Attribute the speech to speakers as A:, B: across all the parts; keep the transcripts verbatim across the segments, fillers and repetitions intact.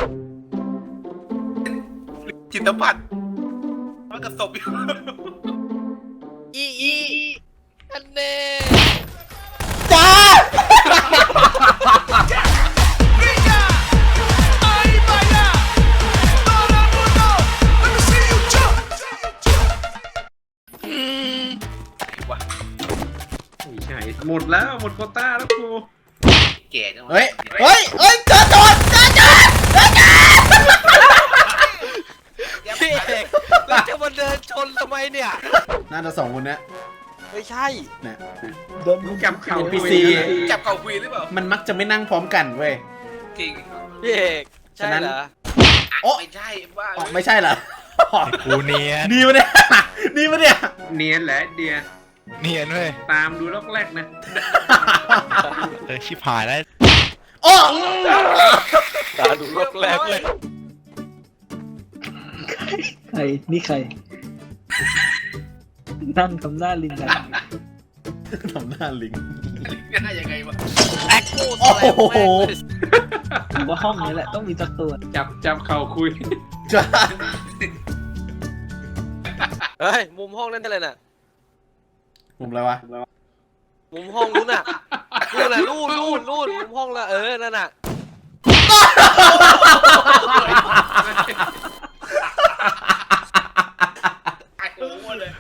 A: จิตสัมผัสมันกระสบอยู่
B: อีอีอันเน่
C: จ้า
D: ไม่ใช่หมดแล้วหมดโควต้าแล้วกู
A: แก่จัง
C: เฮ้ยเฮ้ยเฮ้ยเจอโจรเจอโจรเจอโจร
B: พี่เอกเราจะมาเดินชนทำไมเนี่ย
C: น่าจะสองคนเนี้ย
B: ไม่ใช่
C: เนี่ย
D: โดนจับเข่า
C: พี ซี
A: จับเข่าคุยหรือเปล่า
C: มันมักจะไม่นั่งพร้อมกันเว้ย
A: จริง
B: พี่เอกใช่เหรอ
C: โอ้
A: ไม่ใช่ว่า
C: ไม่ใช่เหรอ
E: กูเนียน
C: ดีมาเนี่ยดีมาเนี่ย
D: เนียนแหละเดีย
E: เนียนเว้ย
D: ตามดูลอกแรกนะ
E: เออชิบหายแล้ว
C: โอ้
B: ตาดูลอกแรกเลย
F: ใครนี่ใครนั่งทำหน้าลิงกัน
C: ทำหน้าลิง
A: หน้ายังไงวะ
B: แอคโคสแลมแม่
F: ผมว่าห้องนี้แหละต้องมีสักตัว
D: จับจับเข่าคุย
C: จ้า
B: เฮ้ยมุมห้องนั่นอะไรน่ะ
C: มุมอะไรวะ
B: มุมห้องนู้นน่ะนู่นน่ะนู่นนู่นนู่นมุมห้องละเออนั่นน่ะ
A: ไอ้โอ้โหเลย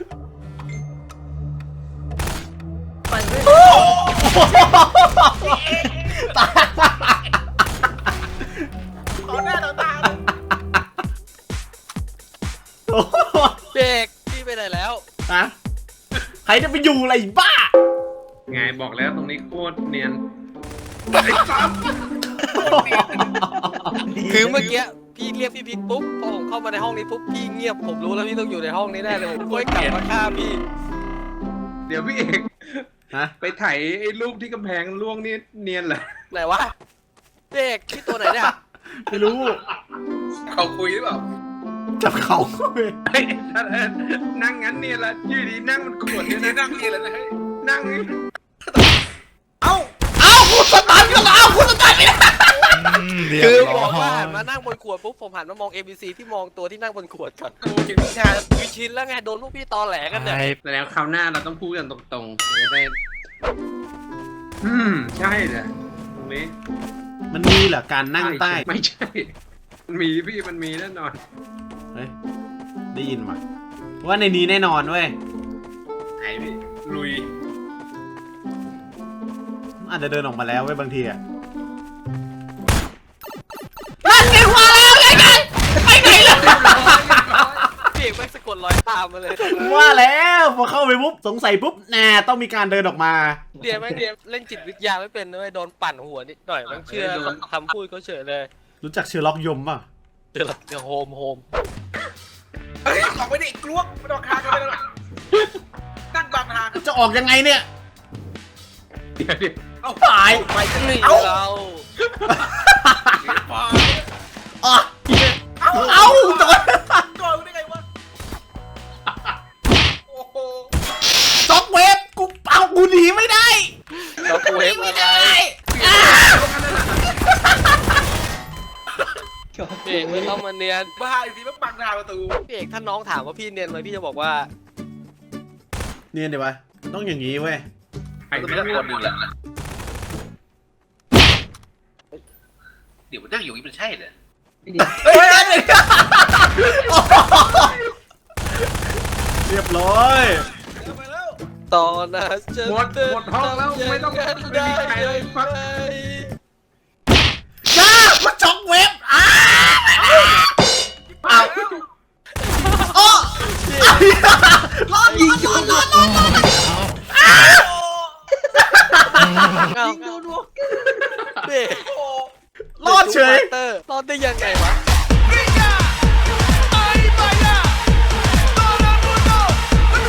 F: ไปเลย
C: ตา
A: ต่อหน้าต่อตา
B: เด็กพี่ไปไหนแล้ว
C: ฮะใครจะไปอยู่อะไรบ้า
D: ไงบอกแล้วตรงนี้โคตรเนียน
B: คือเมื่อกี้พี่เรียกพี่พิกปุ๊บพอผมเข้ามาในห้องนี้ปุ๊บพี่เงียบผมรู้แล้วพี่ต้องอยู่ในห้องนี้แน่เลยผมก็กลับมาฆ่าพี่
D: เดี๋ยวพี่เอก
C: ฮะ
D: ไปถ่ายไอ้รูปที่กำแพงล่วงนี่เนียนเหรอ
B: ไหนวะเด็กพี่ตัวไหนเนี่ย
C: ไม่รู้
A: เข่าคุยหรือเปล่า
C: จับเขา
D: นั่งงั้นเนี่ยละยืดดีนั่งมันขวดเนี่ยนะ
A: นั่งนี่แหละนะ
D: นั่ง
C: เอ้าเอ้าคุณสตาร์ทกันแล้วคุณสตาร์ทไม่ได้
B: คือบอกว่าหันมานั่งบนขวดปุ๊บผมหันมามอง เอ บี ซี ที่มองตัวที่นั่งบนขวดก่อน
A: กูกินวิชา
B: วิชินแล้วไงโดนพวกพี่ตอแหลกันเนี่ย
D: แล้วคราวหน้าเราต้องพูดกันตรงๆจะได้อืมใช่แหละตรงนี้
C: มันมีเหรอการนั่งใต้
D: ไม่ใช่มันมีพี่มันมีแน่นอน
C: เฮ้ยได้ยินว่ะว่าในนี้แน่นอนเว้ย
A: ไอ้พี่ลุย
C: อาจจะเดินออกมาแล้วเว้ยบางทีอะนั่นไงมาแล้วไงไงไปไหนล่ะ
B: เด็กไม่สะกดรอยตามมาเลย
C: ว่าแล้วพอเข้าไปปุ๊บสงสัยปุ๊บแน่ต้องมีการเดินออกมา
B: เดี๋ยวไม่เดี๋ยวเล่นจิตวิทยาไม่เป็นเลยโดนปั่นหัวนิดหน่อยมันเชื่อคำพูดเขาเฉยเลย
C: รู้จักเชอร์ล็อกยมป่ะ
B: เชอร์ล็อกโฮมโฮม
A: เฮ้ยออกไปดิกลวกไม่ต้องคากันไปแล้วนั่งบางทาง
C: จะออกยังไงเนี่ย
D: เดี๋ยวดิ
C: เอาตาย
B: ไปที่นี่เรา
C: อ่ะเอาเอาโดน
A: โดนได้ไงวะโอ้โห
C: จ็อกเวฟกูเอากูหนีไม่ได้
B: จ็อกเวฟอะไรพี่เอกไม่ต้องมาเนียน
A: บ้าอีกทีมันบังทางประตู
B: พี่เอกถ้าน้องถามว่าพี่เนียนไหมพี่จะบอกว่า
C: เนียนเดี๋ยววะต้องอย่างนี้เว้ย
A: ไอ้ไม่ต้องคนหนึ่งแหละเดี๋ยวมันนั่งอยู่นี่มันใช่เหรอ
C: เฮ้ยเรียบร้อย
B: ตอนนั้นจะ
D: หมดหมดห้องแล้วไม่ต้องไม่มีใครเลยฟัง
C: จ้ามาจ็อกเวฟอ้าเอาโอ้รอดยิงรอดรอดรอดรอด
B: ยิงโดนวอล์กเด็ก
C: รอดเฉย
B: รอดได้ยังไงวะ